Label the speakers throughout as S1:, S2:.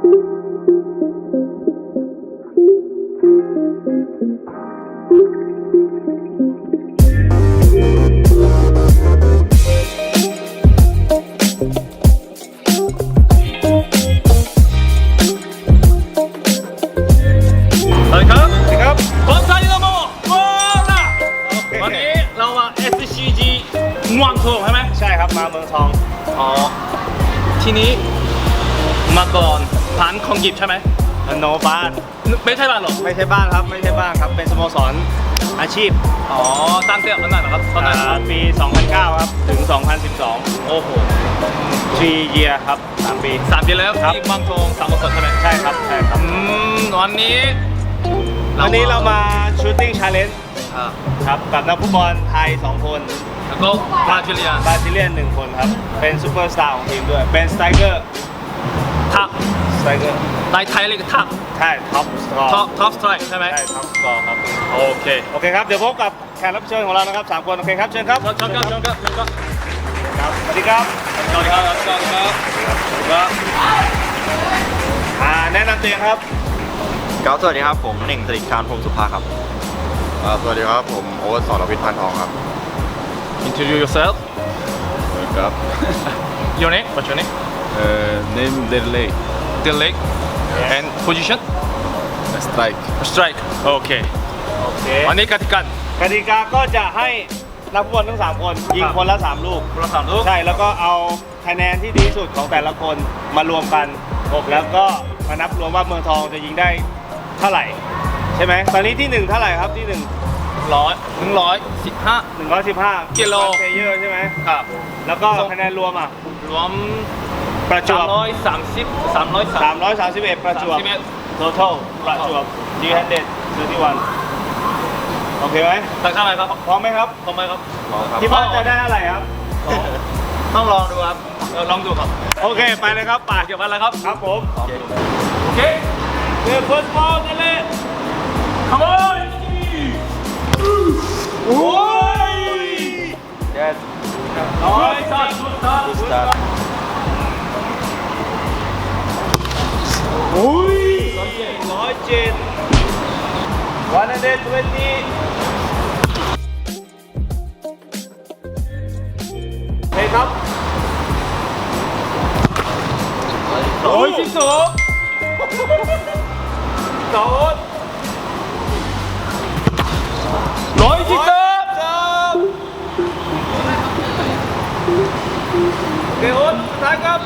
S1: ม่วงทองใช่ไหมใช่ครับมาเมืองทองอ๋อทีนี้มาก่อนผ่านคองกิบใช่ไหมโนบ้านไม่ใช่บ้านหรอไม่ใช่บ้านครับไม่ใช่บ้านครับเป็นสโมสรอาชีพอ๋อตั้งแต่วันนั้นนะครับตอนนั้นปี 2009 ครับถึง 2012 โอ้โห3 year ครับ3 ปีแล้วที่เมืองทองสโมสรใช่ไหมใช่ครับใช่ครับวันนี้เรามาชูตติ้งชาเลนจ์ครับกับนักฟุตบอลไทย2 คนแล้วก็บราซิเลียน1 คนครับเป็นซูเปอร์สตาร์ของทีมด้วยเป็นสไตรเกอร์ทับสไตรเกอร์ในไทยเรียกทับใช่ท็อปสกอร์ท็อปสไตรใช่ไหมใช่ท็อปสกอร์ครับโอเคครับเดี๋ยวพบกับแขกรับเชิญของเรานะครับ3 คนโอเคครับเชิญครับเชิญครับสวัสดีครับแนะนำตัวเองครับ
S2: สวัสดีครับผมเน่งตริการพรหมสุภาครับสวัสดีครับผมโอ๊ตสรวิทย์พันทองครับ
S1: Introduce yourself
S2: ครับ
S1: Your name What's your name
S2: name
S1: Delay and position Strike โอเควันนี้กติกาก็จะให้นักฟุตบอลทั้ง3 คนยิงคนละ3 ลูกใช่แล้วก็เอาคะแนนที่ดีสุดของแต่ละคนมารวมกันแล้วก็มานับรวมว่าเมืองทองจะยิงได้เท่าไหร่ใช่ไหมตอนนี้ที่1เท่าไหร่ครับที่115กิโลเพลเยอร์ใช่ไหมครับแล้วก็คะแนนรวมรวมประจวบ331ประจวบ total ประจวบ331โอเคไหมตั้งเท่าไหร่ครับพร้อมไหมครับที่บ้านจะได้อะไรครับต้องลองดูครับลองดูครับโอเคไปเลยครับป่าเกี่ยวกับอะไรครับผมโอเคเดี๋ยว first ball นั่นเลย come on โอ้ย
S2: yes
S1: start โอ้ย107 เฮ้ยครับ112โดนเกอุนสุดท้ายครับ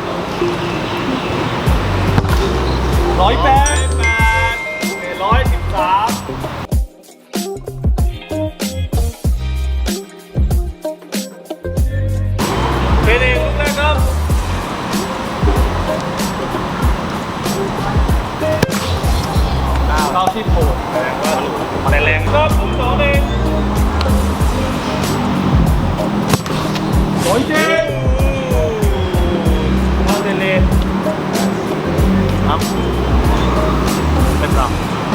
S1: 108 เป็นเองลูกแรกครับ96แรงครับผม2 เอง107เอาเดเลครับเป็นต่ำ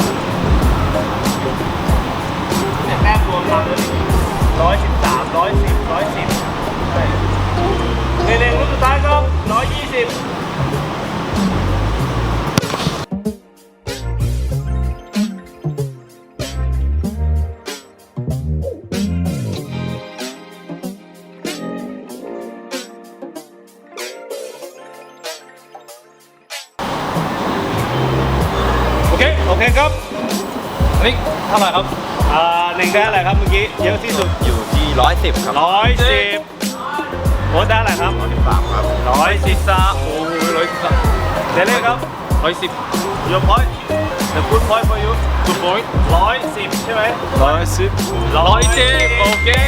S1: แต้มรวมทำเลย113 110ใช่เดเลลูกสุดท้ายครับ120โอเคครับนี่เท่าไหร่ครับ1ได้อะไรครับเมื่อกี้เยอะที่สุด
S2: อยู่ที่110ครับ
S1: 110โค้ดได้อะไรครับ
S2: 113ครับ
S1: 113โอ้โห113เดเล่ครับ110 Your point the good point for you good point 110ใช่ไหม110โอเค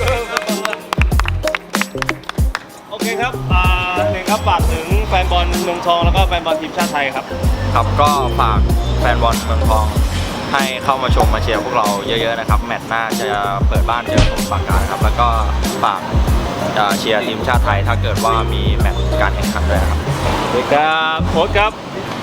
S1: โอเคครับหนึ่งครับฝากถึงแฟนบอลเมืองทองแล้วก็แฟนบอลทีมชาติไทยครับ
S2: ก็ฝากแฟนบอลเมืองทองให้เข้ามาชมมาเชียร์พวกเราเยอะๆนะครับแมตช์หน้าจะเปิดบ้านเจอสมุทรปราการครับแล้วก็ฝากเชียร์ทีมชาติไทยถ้าเกิดว่ามีแมตช์การแข่งขันด้วยครับ
S1: โค้ชครับ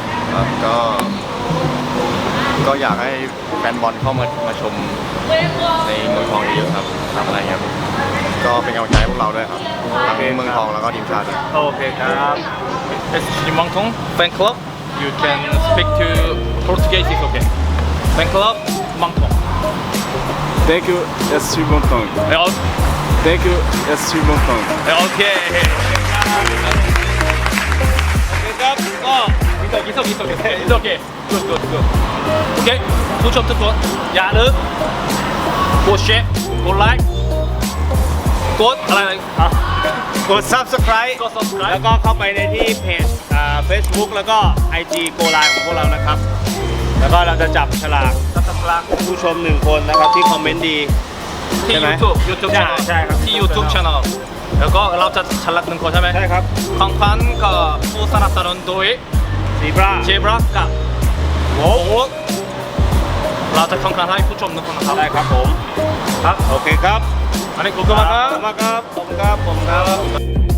S2: ก็อยากให้แฟนบอลเข้ามาชมในเมืองทองเยอะๆครับทำอะไรเงี้ยก็เป็นกำลังใจให้พวกเราด้วยครับทั้งเมืองทองแล้วก็ทีมชาติ
S1: โอเคครับ SCG เมืองทองแฟนคลับ you can speak to Portuguese is okay. Fan club Mangtong.
S3: Thank you, SC Montong. Thank you, SC Montong.
S1: โอเคครับก็อิสโอเคgoodโอเคผู้ชมทุกคนอย่าลืมกดแชร์กดไลค์กดอะไรอ่ะ
S4: กด subscribe
S1: กด subscribe
S4: แล้วก็เข้าไปในที่เพจFacebook แล้วก็ IG Go Line ของพวกเรานะครับ แล้วก็เราจะจับฉลาก
S1: subscribe
S4: ผู้ชม1คนนะครับที่คอมเมนต์ดี
S1: ที่
S4: ใช่ไหม
S1: YouTube
S4: ใช่
S1: channel
S4: ใช่ครับ
S1: ที่ YouTube channel แล้วก็เราจะฉลาก1คนใช่ไหม
S4: ใช่ครับ
S1: ของขวัญก็ผู้สนับสนุนโดย
S4: ซีบรา
S1: เจบรักกับโอ้เราจะของขวัญให้ผู้ชม1คนนะครับ
S4: ได้ครับผม
S1: ครับ
S4: โอเคครับ
S1: อันนี้ขอบคุณมากครับ
S4: ขอบคุณมากครับผมครับ